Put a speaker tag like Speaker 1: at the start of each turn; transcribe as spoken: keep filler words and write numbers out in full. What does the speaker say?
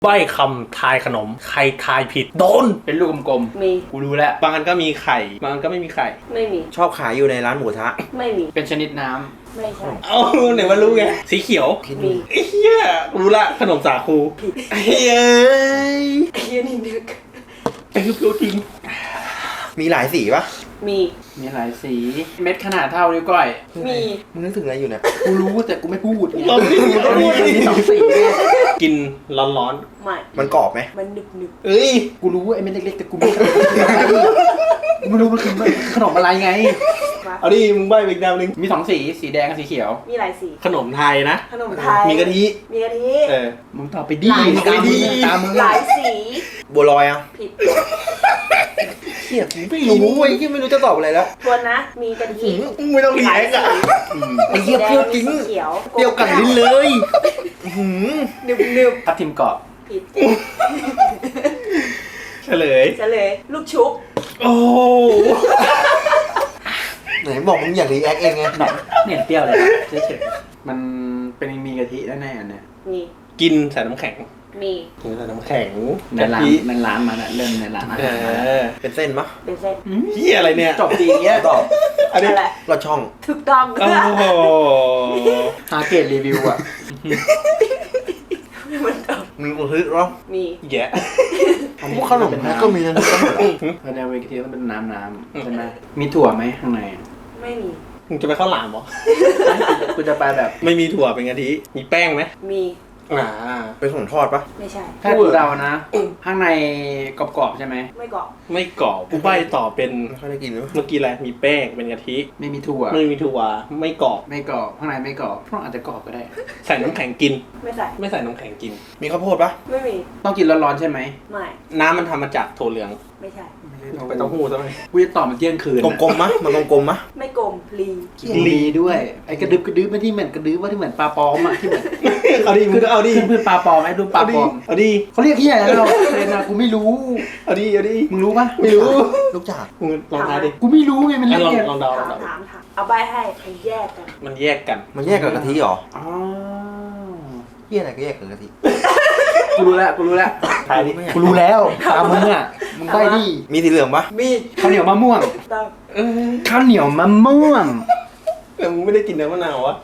Speaker 1: ใบ้คำทายขนมใครทายผิดโดน
Speaker 2: เป็นลูกกลม
Speaker 3: มี
Speaker 2: ๆกูรู้แล้ว
Speaker 1: บางอันก็มีไข่บางอันก็ไม่มีไข่
Speaker 3: ไม่มี
Speaker 4: ชอบขายอยู่ในร้านหมูทะ
Speaker 3: ไม่มี
Speaker 2: เป็นชนิดน้
Speaker 3: ไม่ใช่
Speaker 1: เอ้าไหนมารู้ไงสีเขียว
Speaker 3: มี
Speaker 1: ไอ้เหี้ยรู้ละขนมสาคูไอ้เหี้ย
Speaker 3: ไอ้เหี้ยนี่นึก
Speaker 1: ไอ้คือรู้จริง
Speaker 4: มีหลายสีปะ
Speaker 3: มี
Speaker 2: ำมีหลายสี เม็ดขนาดเท่านิ้วก้อย
Speaker 3: มี
Speaker 4: มึงนึกถึงอะไรอยู่เนี่ย
Speaker 2: กูรู้แต่กูไม่พูด
Speaker 1: เราไม่รู้
Speaker 2: มันมีมันมีสองสีเลย
Speaker 1: กินร้อน
Speaker 3: ไม่
Speaker 4: มันกรอบไหม
Speaker 3: มันนึกนึก
Speaker 1: ๆเอ้ย
Speaker 2: กูรู้ว่าไอ้เม็ดเล็กๆแต่กูไม่รู้กูไม่รู้มันคือขนมอะไรไง
Speaker 3: มา
Speaker 1: เอาดิมึงใบ้อีกแนวนึง
Speaker 2: มีสองสีสีแดงกับสีเขียว
Speaker 3: มีหลายสี
Speaker 1: ขนมไทยนะ
Speaker 3: ขนมไทย
Speaker 1: มีกะทิ
Speaker 3: มีกะทิ
Speaker 1: เออ
Speaker 2: มึงตอบไปดิ
Speaker 3: หลาย
Speaker 2: ตามมึง
Speaker 1: สี
Speaker 2: ตามมึง
Speaker 3: หลายสี
Speaker 4: บัวลอยอ่ะ
Speaker 3: ผิด
Speaker 4: เฮียกูไม่รู้เว้ยที่ไม่รู้จะตอบอะไรแล้ว
Speaker 3: ทวนนะ มีกะทิ
Speaker 4: มึงไม่ต้อง
Speaker 3: ห
Speaker 4: เถี
Speaker 3: ลาย
Speaker 4: ง
Speaker 3: สี
Speaker 4: อ่ะไอ้เหี้ยเปรี้ยวจริง
Speaker 3: สีเขียว
Speaker 4: เปรี้ยวกัดลิ้นเลยอื้อหือ
Speaker 3: นึบนึบ
Speaker 2: ทับทิมกรอบ
Speaker 3: ผิด
Speaker 1: เฉลย
Speaker 3: เฉลยลูกชุบ
Speaker 1: โอ้
Speaker 4: ไหนบอกมึงอยากรีแอคเองไง
Speaker 2: หนอนเนี่ยเปรี้ยวเลยเฉยๆมันเป็นมีกะทิแน่ๆอันเนี่ย
Speaker 3: มี
Speaker 1: กินใส่น้ำแข็ง
Speaker 3: มี
Speaker 1: กินใส่น้ำแข็ง
Speaker 2: ใน
Speaker 1: กะ
Speaker 2: ร้าน
Speaker 1: ทิ
Speaker 2: ในร้านมันอะเริ่มในร้านอา
Speaker 1: เอ
Speaker 2: หาร
Speaker 1: อ
Speaker 4: เป็นเส้นปะ
Speaker 3: เป็นเส้น
Speaker 1: เหี้ยอะไรเนี่ย
Speaker 2: จบดีเงี้ย
Speaker 4: ตอบ
Speaker 1: อันนี้
Speaker 3: อะไร
Speaker 4: ลอดช่อง
Speaker 3: ถูกต้อง
Speaker 1: โอ้โห
Speaker 2: หาเกรดรีวิวอะ
Speaker 3: มันตอบ
Speaker 4: มึงกูฮึดหรอ
Speaker 3: มี
Speaker 1: แย่
Speaker 4: พวกขนมมันก็มีนะทุกคน
Speaker 2: เพราะในเวทีมันเป็นน้ำน้ำใช่ไหมมีถั่วไหมข้างใน
Speaker 3: ไม่มี
Speaker 1: มึงจะไปข้าวหลามเหรอ
Speaker 2: กูจะไปแบบ
Speaker 1: ไม่มีถั่วเป็นกะทิ มีแป้งไหม
Speaker 3: มี
Speaker 1: อ่า
Speaker 4: เป็นของทอดปะ
Speaker 3: ไม่ใช่
Speaker 2: ถ้ากูเดานะ ข้างในกรอบๆใช่ไหม
Speaker 3: ไม่กรอบ
Speaker 1: ไม่กรอบกูใบ้ต่อเป็น
Speaker 4: ไม่ค่อยได้กินเลย
Speaker 1: เมื่อกี้อะไร มีแป้ง เป็นกะทิ
Speaker 2: ไม่มีถั่ว
Speaker 1: ไม่มีถั่ว ไม่กรอบ
Speaker 2: ไม่กรอบข้างในไม่กรอบพวกอาจจะกรอบก็ได้
Speaker 1: ใส่น้ำแข็งกิน
Speaker 3: ไม่ใส่
Speaker 1: ไม่ใส่น้ำแข็งกิน
Speaker 4: มีข้าวโพดปะ
Speaker 3: ไม่มี
Speaker 2: ต้องกินร้อนๆใช่ไหม
Speaker 3: ไม่
Speaker 1: น้ำมันทำมาจากถั่วเหลือง
Speaker 3: ไม่ใช่
Speaker 1: ไปเต้าหู้ซะหน่อย
Speaker 2: กูจะตอบมันเที่ยงคืน
Speaker 4: กลมๆมะมันกลมๆมะ
Speaker 3: ไม่กลมลี
Speaker 2: ลีด้วยไอ้กระดึบกระดึบไม่ที่เหมือนกระดึบว่าที่เหมือนปลาปลอมอะที่เหมือน
Speaker 1: เอาดิมึงก็เอาดิ
Speaker 2: ขึ้นพืชปลาปลอมไหมดูปลา
Speaker 1: เอา
Speaker 2: ป
Speaker 1: ดิ
Speaker 2: ลอม
Speaker 1: เอาดิ
Speaker 2: เขาเรียกที่ไหนแล้วเรนนะกูไม่รู้
Speaker 1: เอาดิเอาดิ
Speaker 2: มึงรู้ปะ
Speaker 1: ไม่รู้
Speaker 4: ลูกจาก
Speaker 1: มึงลองทายดิ
Speaker 2: กูไม่รู้ไงมัน
Speaker 1: อ่ะ
Speaker 2: เรีย
Speaker 1: ลอง
Speaker 2: ก
Speaker 1: ลองเดาล
Speaker 3: ถา
Speaker 1: อง
Speaker 3: ม
Speaker 1: เดา
Speaker 3: ถามถามเอาใบให้มันแยกกัน
Speaker 1: มันแยกกัน
Speaker 4: มันแยกกับกะทิเหรอ
Speaker 2: อ๋อ
Speaker 4: เฮียอะไรก็แยกกับกะทิ
Speaker 2: กูรู้แล้วกูรู้แล้ว
Speaker 1: ทายดิ
Speaker 2: กูรู้แล้วตามมึงอ่ะมึงได้ดิ
Speaker 4: มีสีเหลืองปะ
Speaker 3: มี
Speaker 2: ข้าวเหนียวมะม่วง
Speaker 3: ต้อง
Speaker 1: เออ
Speaker 2: ข้าวเหนียวมะม่วง
Speaker 1: แต่มึงไม่ได้กินเนื้อมะนาววะ